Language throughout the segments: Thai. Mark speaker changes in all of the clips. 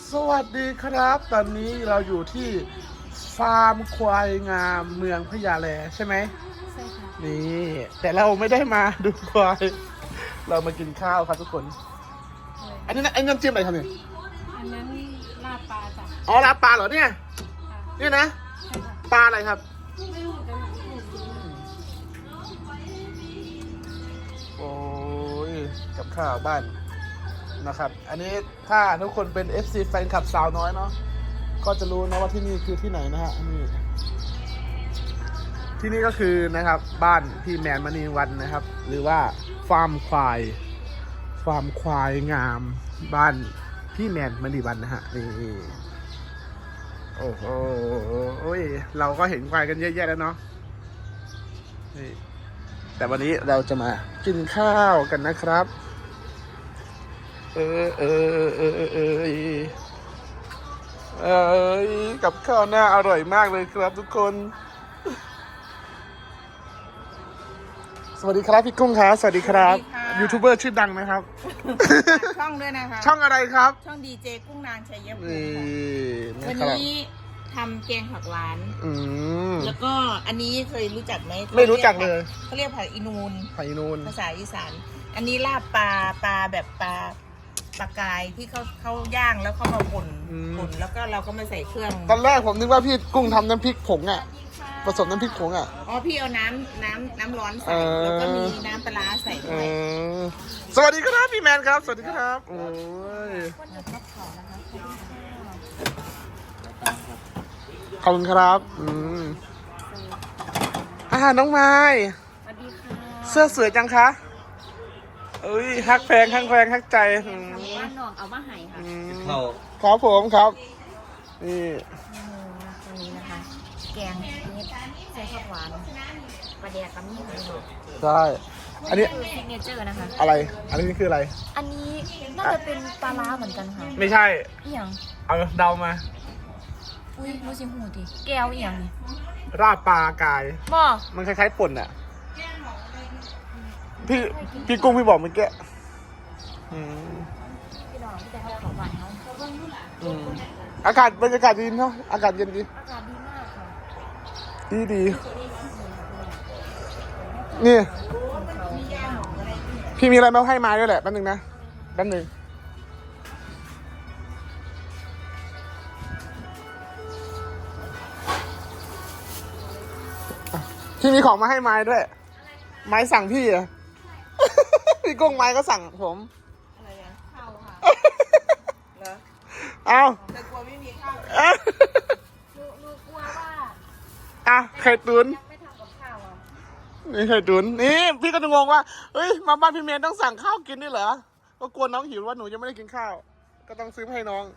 Speaker 1: สวัสดีครับตอนนี้เราอยู่ที่ฟาร์มควายงามเมืองพญาแลใช่ไหม
Speaker 2: ใช่ค่ะ
Speaker 1: นี่แต่เราไม่ได้มาดูควายเรามากินข้าวครับทุกคนอันนี้นะไอ้น้ำจิ้มอะไรครับเนี่ย
Speaker 2: อันนั้นลาบปลาจ้ะ
Speaker 1: อ๋อลาบปลาเหรอเนี่ยนี่นะ
Speaker 2: ใช่ค่ะ
Speaker 1: ปลาอะไรครับ
Speaker 2: ไม่รู้กัน
Speaker 1: โอ้ยกับข้าวบ้านนะครับอันนี้ถ้าทุกคนเป็น FC แฟนคลับสาวน้อยเนาะก็จะรู้นะว่าที่นี่คือที่ไหนนะฮะนี่ที่นี่ก็คือนะครับบ้านพี่แมนมณีวันนะครับหรือว่าฟาร์มควายงามบ้านพี่แมนมณีวันนะฮะนี่โอ้โหเราก็เห็นควายกันเยอะแยะแล้วเนาะนี่แต่วันนี้เราจะมากินข้าวกันนะครับกับข้าวหน้าอร่อยมากเลยครับทุกคนสวัสดีครับพี่กุ้งครับสวัสดีครับยูทูบเบอร์ชื่อดังนะครับ
Speaker 3: ช่องด้วยนะคะ
Speaker 1: ช่องอะไรครับ
Speaker 3: ช่องดีเจกุ้งนางชัยภูมิ
Speaker 1: นี่
Speaker 3: วัน
Speaker 1: นะครับ
Speaker 3: นี้ทำแกงผักหวาน
Speaker 1: ม
Speaker 3: แล้วก็อันนี้เคยรู้จักไหม
Speaker 1: ไม่รู้จักเลย
Speaker 3: เขาเรียกผักอีนูน
Speaker 1: ไผ่นูน
Speaker 3: ภาษาอีสานอันนี้ลาบปลาแบบปลากายที่เขาย่างแล้วเขามาป่นแล้วก็เราก็มาใส่เครื่อง
Speaker 1: ตอนแรกผมนึกว่าพี่กุ้งทำน้ำพริกผงอ่ะผสมน้ำพริกผงอ่ะ
Speaker 3: อ๋อพี่เอาน้ำร้อนใส่แล้วก็มีน้ำปลาร้าใส่ด้วย
Speaker 1: สวัสดีครับพี่แมนครับสวัสดีครับโอ้ยขอบคุณครับน้องไม้
Speaker 2: สวัสดีค่ะ
Speaker 1: เสื้อสวยจังคะเอ้ยฮักแพงฮักใจ
Speaker 2: ทำว่าน้องเอามาให้ค่ะ
Speaker 1: ครับผมครับนี่
Speaker 2: ตรงนี้นะคะแกงเม็ดใส่ผักหวานปลาแดกกับมีหมู
Speaker 1: ใช่อันนี้
Speaker 2: คือซิกเนเจอร์นะคะ
Speaker 1: อะไรอันนี้คืออะไร
Speaker 2: อันนี้น่าจะเป็นปลาร้าเหมือนกันค่ะ
Speaker 1: ไม่ใช่
Speaker 2: อีหยัง
Speaker 1: เอาเดามา
Speaker 2: อุ้ยรู้สิหูดิแก้วอีหยังนี่
Speaker 1: ราดปลากาย
Speaker 2: บ่
Speaker 1: มันคล้ายๆป่นอ่ะพี่กุ้งพี่บอกเมื่อกี้
Speaker 2: พี่น้องที่จะให้ของหวานเขา
Speaker 1: อากาศบรรยากาศดีเนาะอากาศเย็นดี
Speaker 2: อากาศดีมากค่ะ
Speaker 1: ดีนี่พี่มีอะไรมาให้มาด้วยแหละแป๊บนึงนะแป๊บนึงพี่มีของมาให้ไม้ด้วย ไม้สั่งพี่อะ พี่กุ้งไม้ก็สั่งผม
Speaker 3: อะไรอะข้าวค่ะเหรอ
Speaker 1: เอา
Speaker 3: แต่กลัวไม่มีข้าว
Speaker 2: หนูกลัวว่า
Speaker 1: ไข่ตุ๋น
Speaker 2: ยังไม่ทำกับข้าวอ่ะ
Speaker 1: นี่ไข่ตุ๋นนี่พี่ก็จะงงว่าเฮ้ยมาบ้านพี่เมย์ต้องสั่งข้าวกินด้วยเหรอก็กลัวน้องหิวว่าหนูยังไม่ได้กินข้าวก็ต้องซื้อมาให้น้อง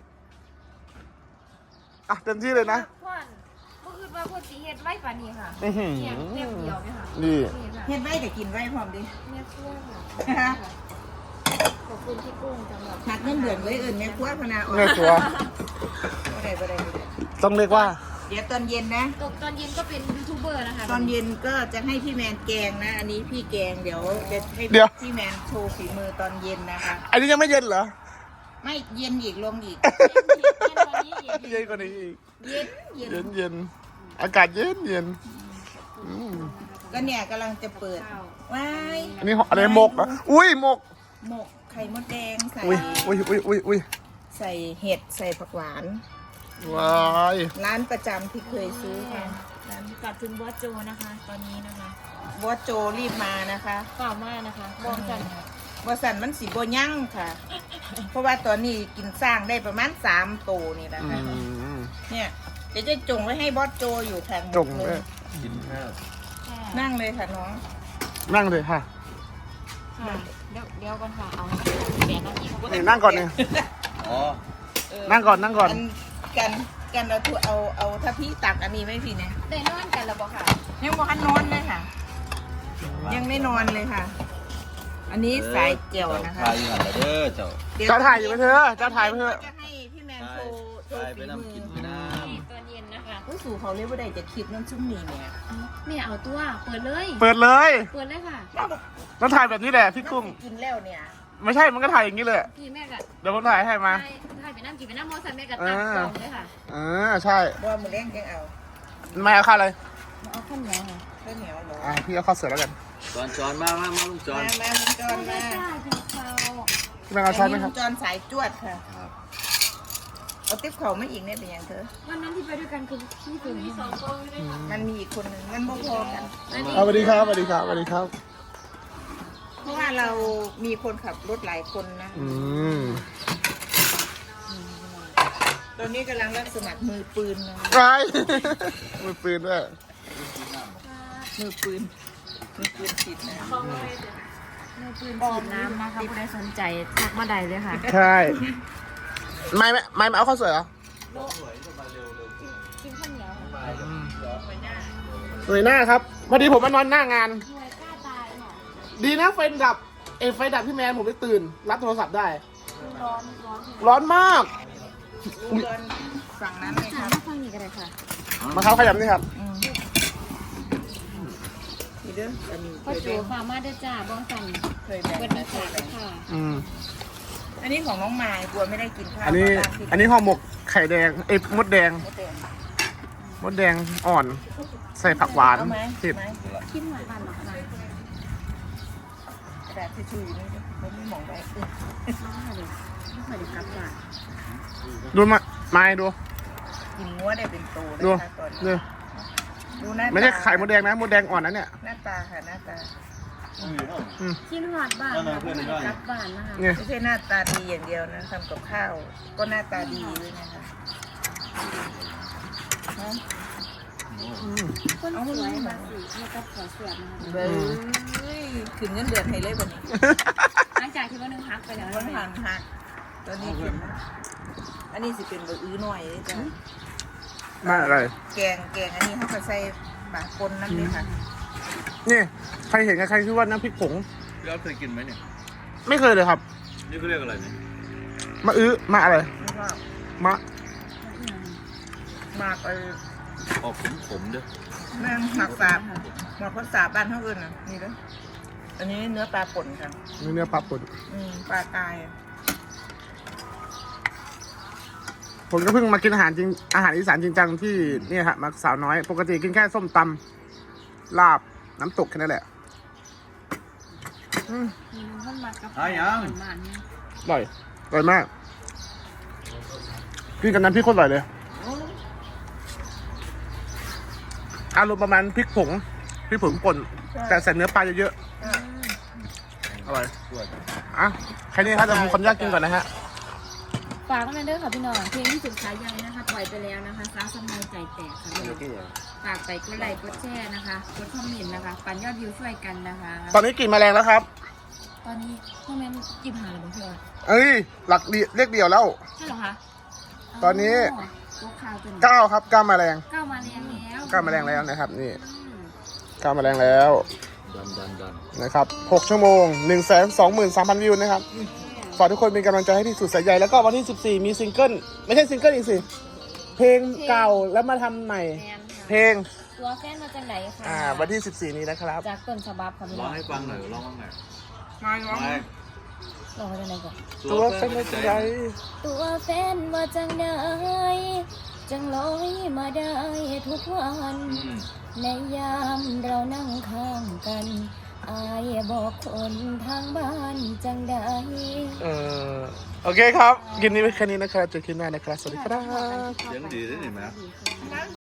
Speaker 1: เต็มที่เลยนะ
Speaker 2: พ่อนเมื่อคืนว่าพ่อสีเฮ็ดไว้ป่านนี้ค่ะ
Speaker 1: อื้อหือ
Speaker 2: เทียมเดียวเนี่ยค่ะ
Speaker 1: นี่
Speaker 2: ค่ะ
Speaker 3: เฮ็ดไว้แต่กินไว้พร้อมดิ
Speaker 2: แม่ครัวค่ะขอบคุณพี่กุ้งสำหรับ
Speaker 3: หักเงินเดือนไว้เอื่นแม่ครัวพนาออก
Speaker 1: แม่ครัว
Speaker 3: บ่ได้
Speaker 1: ต้องเรียกว่า
Speaker 3: เดี๋ยวตอนเย็นนะ
Speaker 2: ตอนเย็นก็เป็นยูทูบเบอร์นะคะ
Speaker 3: ตอนเย็นก็จะให้พี่แมนแกงนะ อันนี้พี่แกงเดี๋ยวจะให้พี่แมนโชว์ฝีมือตอนเย็นนะคะ
Speaker 1: อันนี้ยังไม่เย็นเหรอ
Speaker 3: ไม่เย็นอีกลงอีก
Speaker 1: เย็นกว่านี้อีก
Speaker 3: เย็น
Speaker 1: เย็นอากาศเย็น
Speaker 3: ก็เนี่ยกำลังจะเปิดว้าย
Speaker 1: อันนี้อะไรหมกอ่ะอุ้ยหมก
Speaker 3: หมกไข่มดแดงใส่
Speaker 1: อุ้ย
Speaker 3: ใส่เห็ดใส่ผักหวาน
Speaker 1: ว้าย
Speaker 3: ร้านประจำที่เคยซื้อค่ะ
Speaker 2: กลับถึงบอสโจนะคะ ตอนนี้นะคะ
Speaker 3: บอสโจรีบมานะคะ
Speaker 2: เปล่ามากนะคะมองกันค่ะ
Speaker 3: บอสันมันสีโบยั่งค่ะ เพราะว่าตอนนี้กินสร้างได้ประมาณ3 โตนี่นะคะ เนี่ยเดี๋ยวจะจงไว้ให้บอสโจอยู่แทน
Speaker 1: จง
Speaker 3: เล
Speaker 1: เลย
Speaker 3: ยนั่งเลยค่ะน้อง
Speaker 1: นั่งเลยค่ะ
Speaker 2: ค่ะเดี๋ยวก่อนค่ะ เอาแบนนั่งอีก
Speaker 1: นี่นั่งก่อนเนี่ย
Speaker 4: อ๋อ
Speaker 1: นั่งก่อน
Speaker 3: อันกันเอาถ้าพี่ตักอันนี้ไม่พี่เนี่ย
Speaker 2: ได้นอนกันแล้วบอกค่ะ
Speaker 3: ยังบอกให้นอนเลยค่ะ ยังไม่นอนเลยค่ะ อันนี้สายเจียวนะคะ
Speaker 4: ถ่ายอยู่หันไปเด้อเจ้า
Speaker 1: เจ้าถ่ายอยู่ไหมเธอเจ้าถ่ายไหมเธอ
Speaker 3: จะให้พี่แมนโชว์
Speaker 4: ถ่ายไป
Speaker 3: ฝี
Speaker 4: น้ำ
Speaker 3: มื
Speaker 4: กิน
Speaker 3: อ
Speaker 4: ไปน้
Speaker 2: นี่ตอนเย็นนะคะ
Speaker 3: ผู้สู่เขาเรียกว่าใดจะคิดนั่นชุ่มนี่เนี่ย
Speaker 2: แม่เอาตัว เปิดเลย
Speaker 1: เปิดเลย
Speaker 2: เปิดเลยค่ะ
Speaker 1: แล้วถ่ายแบบนี้แหละพี่กุ้ง
Speaker 3: กินแล้วเนี่ย
Speaker 1: ไม่ใช่มันก็ถ่ายอย่างนี้เลย
Speaker 2: พี่แม่ก็
Speaker 1: เดี๋ยวผมถ่ายให้มา
Speaker 2: ถ่ายไปน้ำกินไปน้ำมอสันแม่ก็ตักกล่องเลยค่ะ
Speaker 1: ใช่
Speaker 3: บ่มือเลี้ยงยังเอา
Speaker 1: ไม่เอาข้าวเลย
Speaker 2: เอาข้าวเหนียวค่ะ
Speaker 3: ข้าวเหนียวเหรอ
Speaker 1: พี่เอาข้าวเสือแล้วกัน
Speaker 4: จอนมาลุงจอน
Speaker 3: มาลุงจอนมา
Speaker 2: กินข้าว
Speaker 1: พี่แมงเอาช้อนไหมค
Speaker 3: ลุ
Speaker 1: รับ
Speaker 3: งจอนสายจวดค่ะเอาติ๊บเขาไม่อีกเนี่ยเป็นยังเธอ
Speaker 2: วันนั้นที่ไปด้วยกันคือพี่ถึงมี2 คน
Speaker 3: มันมีอีกคนหนึ่งมันบ่พอกัน
Speaker 1: สวัสดีครับสวัสดีครับสวัสดีครับ
Speaker 3: เพราะว่าเรามีคนขับรถหลายคนนะ ตอนนี้กำลังรับสมัครมือปืนนะ
Speaker 1: ไรมือปืนด้วย
Speaker 3: มือปืนฉีดน้
Speaker 2: มือปืนฉีดน้ำนะคะผู้ใดสนใจทักมาได้เลยค่ะ
Speaker 1: ใช่ไม่เอาข้าวเสือเหรอ
Speaker 2: กินข้าวเหนียว
Speaker 1: หน่วยหน้าครับพอดีผมมานอนหน้างาน
Speaker 2: หน่วยกล้าตายเนาะ
Speaker 1: ดีนะไฟดับไฟดับพี่แมนผมได้ตื่น รับโทรศัพท์ได้
Speaker 2: ร้อน
Speaker 1: ร้อนมาก
Speaker 3: ำลุงจอนฝั่งนั้นเลยค
Speaker 2: ถา
Speaker 3: รับ
Speaker 2: มมาฟังอีกอะไรค่ะ
Speaker 1: มาครับขยับนี่ครับ
Speaker 3: นี่เด้ออันนี้เค
Speaker 2: พ่อย จู
Speaker 3: แบ่ง
Speaker 2: ฟาร์มาเด้อจ้าบ้องสัน
Speaker 3: เคยแบ่ง
Speaker 2: วันนี้ขายเลยค่ะ
Speaker 3: อันนี้ของน้องมายกลัวไม่ได้กินข้าว
Speaker 1: อันนี้ห่อหมกไข่แดงมดแดง มดแดงอ่อน ใส่ผักหวาน
Speaker 3: เอาไหม
Speaker 1: เผ็ด
Speaker 2: คิดหวานหรอคะ
Speaker 3: กระดาษทิชชู่อยู่นี่ไม่ได้มองไป
Speaker 2: ไม่เคยได้กลับจ้า
Speaker 1: ดูมาดู
Speaker 3: กินงัวได้เป็นตัวเลย
Speaker 1: ดู
Speaker 3: ค่ะตอน
Speaker 1: นี่
Speaker 3: นี้ดูหน้าตา
Speaker 1: ไม่ใช่ไข่มดแดงนะมดแดงอ่อนนะเนี่ย
Speaker 3: หน้าตาค่ะหน้าตา
Speaker 2: คิดหวานบ้านค่ะไม่เคยได้กลับบ้านนะคะ
Speaker 1: เนี่ย
Speaker 3: ไม่ใช่หน้าตาดีอย่างเดียวนะทำกับข้าวก็หน้าตาดีด้วยนะคะฮะ
Speaker 2: คนสวยมาสิมีกับขอเสียบนะคะ
Speaker 3: เบ้ยขึ้นเงินเดือนให้เลยวันนี้
Speaker 2: หลังจากที่ว่านึงพักไปแล้ว
Speaker 3: วันหันหักตอนนี้ขึ้นอันนี้สิเป็นเบอร์อื้อหน่อยเลยจ้ะ
Speaker 1: มาอะไร
Speaker 3: แกงอันนี้เขาก็ใส่ปลาปนนั่นเลยค่ะ
Speaker 1: นี่ใครเห็นกับใครคิดว่าน้ำพริกผง
Speaker 4: พี่อ๊อฟเคยกินไหมเนี่ย
Speaker 1: ไม่เคยเลยครับ
Speaker 4: นี่เขาเรียกอะไรเนี่ย
Speaker 1: มาอะไร
Speaker 3: ไม่ว่า
Speaker 1: มะ
Speaker 3: หมาก
Speaker 4: ออกขมๆเด้อ
Speaker 3: แม่งหมักสาบหมักภาษาบ้านเขาอื่นอ่ะนี่เด้ออันนี้เนื้อปลาป่นค่ะ
Speaker 1: เนื้อปลาป่น
Speaker 3: ปลาตายอะ
Speaker 1: ผมก็เพิ่งมากินอาหารอีสานจริงจังที่นี่ฮะมาสาวน้อย ปกติกินแค่ส้มตำลาบน้ำตกแค่นั้นแหละ
Speaker 2: มีน้ำข้นมัดกับ
Speaker 4: หายัง
Speaker 2: มันเนี่ย
Speaker 1: อร่อยมากกินกับน้ำพริกโคนอร่อยเลยอารมณ์ประมาณพริกผงป่นแต่ใส่เนื้อปลาเยอะๆอร่อยอ่ะแค่นี้ครับเดี๋ยวผมขออนุญาตกินก่อนนะฮะ
Speaker 2: ฝากกันเด้อค่ะพี่น้องเพลงที่สุดท้ายยังนะคะปล่อยไปแล้วนะคะสาวสมัยใจแตกค่ะพี่น้องฝากไปกดไลค์กดแชร์นะคะกดคอมเมนต์นะคะปั่นยอดวิวช่วยกันนะคะ
Speaker 1: ตอนนี้กลิ่นแมลงแล้วครับ
Speaker 2: ตอนนี้คอมเมนต์จิบหาหรือเปล่าพี่ออย
Speaker 1: เอ้ยหลักเลขเดียวแล้ว
Speaker 2: ใช่เหรอคะ
Speaker 1: ตอนนี้
Speaker 2: ตัวข่าวจน
Speaker 1: 9ครับ9แมลง
Speaker 2: ก้าวมาแรงแล้ว
Speaker 1: 9แมลงแล้วนะครับนี่
Speaker 2: อืม
Speaker 1: 9แมลงแล้ว
Speaker 4: ดัน
Speaker 1: นะครับ6ชั่วโมง 123,000 วิวนะครับฝากทุกคนเป็นกำลังใจให้พี่สุดสายใยแล้วก็วันที่14มีซิงเกิลไม่ใช่ซิงเกิลอีกสิเพลงเก่าแล้วมาทำใหม่
Speaker 2: แมนค่ะ
Speaker 1: เพลง
Speaker 2: ตัวแฟนมาจากไหนคะ
Speaker 1: วันที่14นี้นะครับ
Speaker 2: จากต้นฉบับค่ะพี่
Speaker 4: ร้
Speaker 2: น้
Speaker 4: อ
Speaker 2: อง ง
Speaker 4: ให้ฟังหน่อยร้องบ้างหน่อย
Speaker 3: มาร้อง
Speaker 4: ไม่
Speaker 2: ลองมาจากไหนก่อน
Speaker 1: ตัวเป็นใจ
Speaker 2: ตัวแฟนมาจากไหนจังลอยมาได้ทุกวัน ในยามเรานั่งข้างกันอายบอกคนทางบ้านจังได้
Speaker 1: โอเคครับกินนี้ไว้แค่นี้นะครับเจอกันใหม่นะครับสวัสดีครับ
Speaker 4: เสียงดีได้ไหม